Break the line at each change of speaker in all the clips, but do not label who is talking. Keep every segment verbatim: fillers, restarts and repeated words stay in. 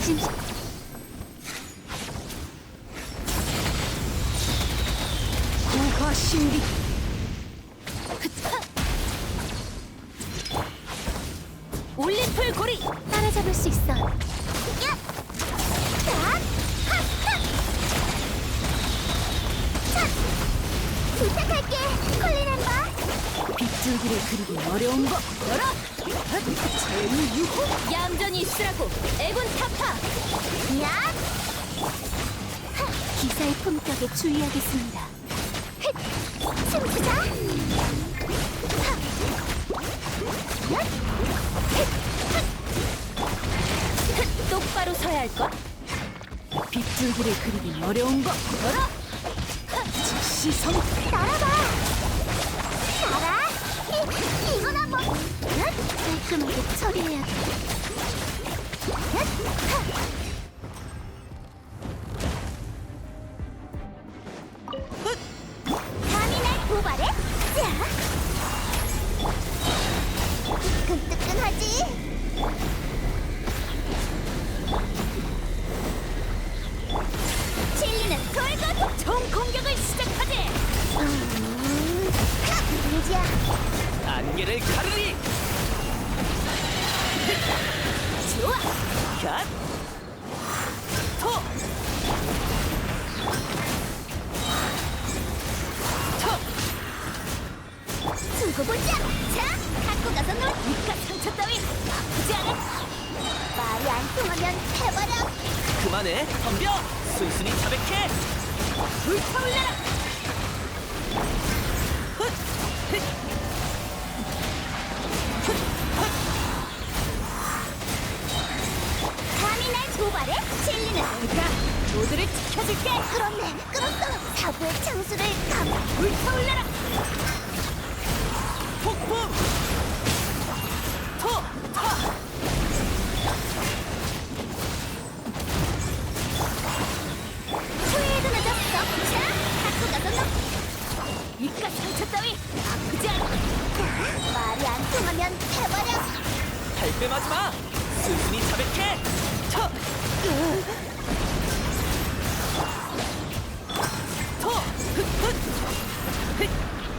진
구화 신비.
올림플 고리 따라잡을 수 있어. 야! 자! 하! 하! 자! 부탁할게, 콜린 엠버.
빗줄기를 그리기 어려운 법 열어. 제일유호.
얌전히 있으라고, 애군 타파. 야! 하! 기사의 품격에 주의하겠습니다. 헷! 춤추자. 하! 얏! 헷! 핫! 헷! 똑바로 서야 할걸?
빗줄기를 그리기 어려운 법 열어. 즉시성.
날아봐! 날아! 이, 이건 한번! 얏! 깔끔하게 처리해야 돼. 얏! 하! 감히 날 고발해? 자! 뜨끈뜨끈하지? 칠리는 돌고 총 공격을 시작하지! 음, 하! 문제야.
안개를 가르리.
좋아!
갓. 토. 토.
두고 보자! 자! 갖고 가서 놀! 니가 상처 따위 아프지 않아? 말이 안 통하면 해버려!
그만해. 덤벼. 순순히 자백해.
불타올라라!
훗. 힛.
감히 날 고발해? 칠리는 내가 모두를 지켜줄게! 끌었네! 끌었어! 사부의 창수를 감! 불타올라라!
폭풍. 토. 타.
후회도 늦었어! 자! 갖고 가서 놀! 니가 상처 따위 아프지 않아? 말이 안 통하면 해버려!
발뺌하지 마. 순순히 자백해. 터. 토. 훗. 훗.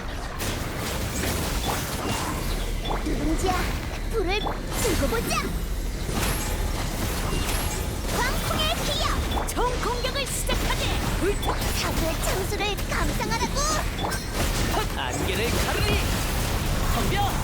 누룽지야, 불을 들고 보자! 광풍의 기여! 총 공격을 시작하지! 불타! 사부의 창수를 감상하라고!
안개를 가르리. 덤벼.